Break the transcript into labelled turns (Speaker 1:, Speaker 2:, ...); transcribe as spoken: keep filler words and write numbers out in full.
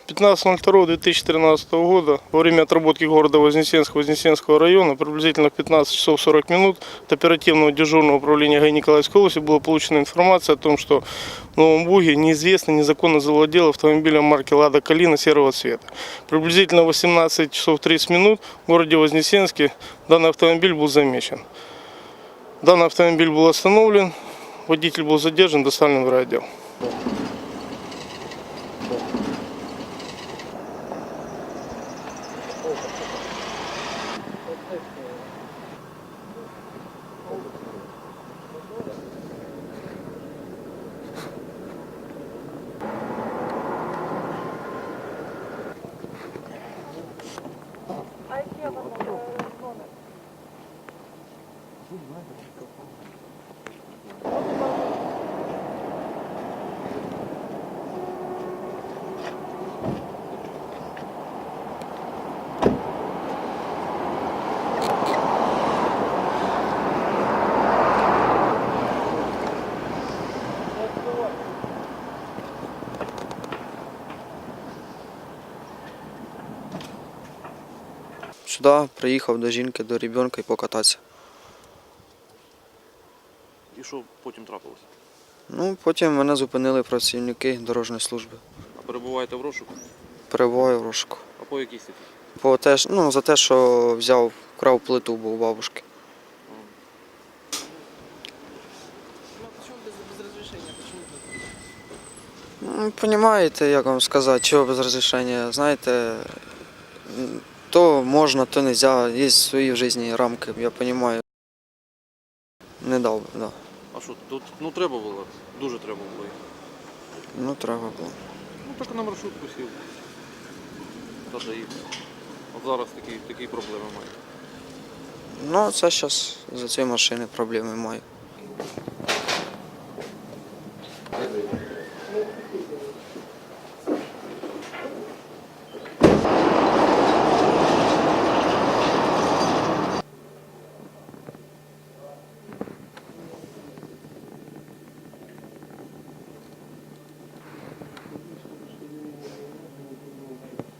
Speaker 1: пятнадцатого ноль второго две тысячи тринадцатого года во время отработки города Вознесенска, Вознесенского района приблизительно в пятнадцать часов сорок минут от оперативного дежурного управления ГАИ Николаевской области была получена информация о том, что в Новом Буге неизвестный незаконно завладел автомобилем марки «Лада Калина» серого цвета. Приблизительно в восемнадцать часов тридцать минут в городе Вознесенске данный автомобиль был замечен. Данный автомобиль был остановлен, водитель был задержан, доставлен в райотдел.
Speaker 2: Сюди приїхав до жінки, до ребенка і покататися.
Speaker 3: І що потім трапилося?
Speaker 2: Ну, потім мене зупинили працівники дорожньої служби.
Speaker 3: А перебуваєте в розшуку?
Speaker 2: Перебуваю в розшуку.
Speaker 3: А по якій статті?
Speaker 2: По те, ж- ну, за те, що взяв, вкрав плиту, бо у бабушки. Ну, розумієте, як вам сказати, чого без розрішення. Знаєте, м, то можна, то не можна. Є свої в житті рамки, я розумію. Не дав би, так. Да.
Speaker 3: А що, тут ну треба було? Дуже треба було.
Speaker 2: Ну, треба було.
Speaker 3: Ну так на маршрутку сів. Та доїхав. От зараз такі, такі проблеми маю.
Speaker 2: Ну, це зараз за цієї машини проблеми маю.